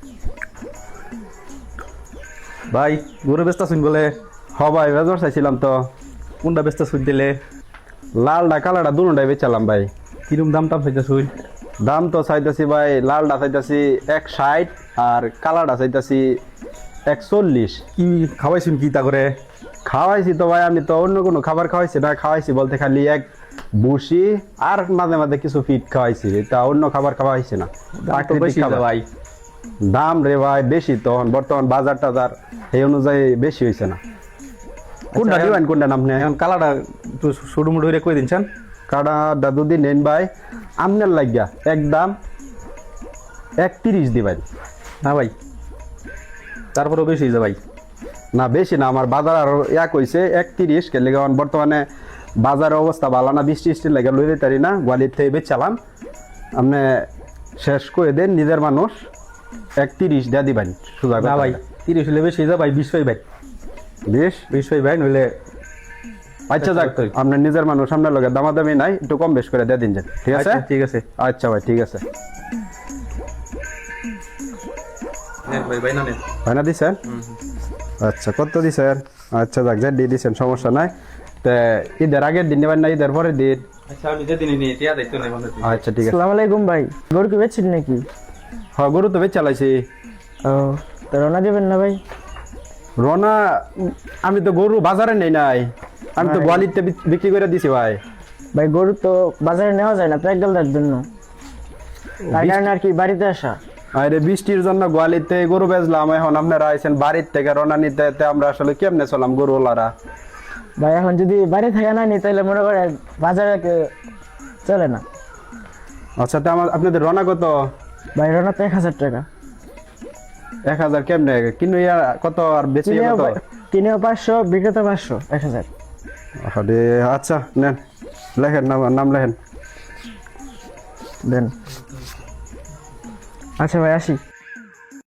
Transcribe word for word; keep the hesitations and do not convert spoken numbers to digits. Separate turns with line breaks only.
ভাই গরু বেচতা শুন বলে?
হ ভাই বেজার চাইছিলাম তো।
কোনটা বেচতা শুন দিলে?
লালডা কালাডা দুটাই বেচালাম ভাই।
কিরম দাম টাম চাইতা শুন?
দাম তো চাইতেছি ভাই, লালডা চাইতেছি এক ষাট আর কালাডা চাইতেছি এক চল্লিশ।
কি খাওয়াইছুন কি তা করে?
খাওয়াইছি তো ভাই, আমি তো অন্য কোনো খাবার খাওয়াইছি না, খাওয়াইছি বলতে খালি এক ভুসি আর মাঝে মাঝে কিছু ফিট খাওয়াইছি, এটা অন্য খাবার খাওয়াইছি না।
দাম তো বেশি
খাবার।
ভাই।
দাম রে ভাই বেশি, তখন বর্তমান বাজার টাজার এই অনুযায়ী বেশি হয়েছে না। কোনটা
এখন-
দিবেন কোনটা নাম নেই?
এখন কালাটা একটু সরু মুড়ো হইরে কই দিনছেন?
কাটা দাদুদি নেন ভাই, আমনের লাগিয়া একদম একত্রিশ দিবেন।
না ভাই, তারপরেও বেশি হয়ে যায় ভাই।
না বেশি না, আমার বাজার আরো এক হয়েছে একত্রিশ কে লেগে। বর্তমানে বাজারের অবস্থা ভালো না, বৃষ্টি টিষ্টি লেগে লইতে পারি না, গোয়ালির থেকে বেচালাম। আপনি শেষ করে দেন, নিজের মানুষ একত্রিশ দিয়ে দিবেন সুযোগ।
না ভাই, তিরিশ হলে বেশি হয়ে যায় ভাই, বিশ পাই ভাই।
বেশ
বিশ পাই ভাই, নইলে
আচ্ছা যাক, আপনার নিজের মানুষ, আপনার লোকের দামাদামি নাই, একটু কম বেশ করে দিয়ে দিন যান, ঠিক আছে?
আচ্ছা, ঠিক আছে।
আচ্ছা ভাই ঠিক আছে।
নেন ভাই, ভাই না নেন।
হয় না দিছেন? আচ্ছা কত দিছেন? আচ্ছা যাক, যা দিয়ে দিছেন সমস্যা নাই। তা ঈদের আগের দিন নেবেন না ঈদের পরের দিন?
আচ্ছা আমি যেদিন নিয়ে টিয়া দেখতে নেই মনে হয়।
আচ্ছা ঠিক আছে।
আসসালামু আলাইকুম ভাই, গরু কি বেচছেন নাকি?
হ্যাঁ গরু তো বেচ চালাইছি।
ও, তো রওনা দেবেন না ভাই?
রনা, আমি তো গরু বাজারে নেই নাই, আমি তো
ভাই।
গোয়ালিতে বিক- বিক্রি করে দিছি ভাই।
ভাই গরু তো বাজারে নেওয়া যায় না প্যাকডালটার জন্য, তার কারণে আর কি বাড়িতে আসা।
আরে বৃষ্টির জন্য গোয়ালিতে গরু বেচলাম, এখন আপনারা আইছেন বাড়ির থেকে রনা নিতে, তে আমরা আসলে কেমনে চলাম গরুওয়ালারা?
ভাই এখন যদি বাড়ি থেকে না নি তাহলে মনে করে বাজারে কে- চলে না।
আচ্ছা তা আমার আপনাদের রনা কত?
ভাই রওনা তো এক হাজার টাকা,
এক হাজার কেমনে কিন্তু ইয়া কত আর বেশি
কিনেও
কত?
পা- কিনেও পাঁচশো, বিক্রেতা পাঁচশো, এক হাজার।
আরে আচ্ছা নেন, লেখেন নাম, নাম লেখেন।
দেন। আচ্ছা ভাই আসি।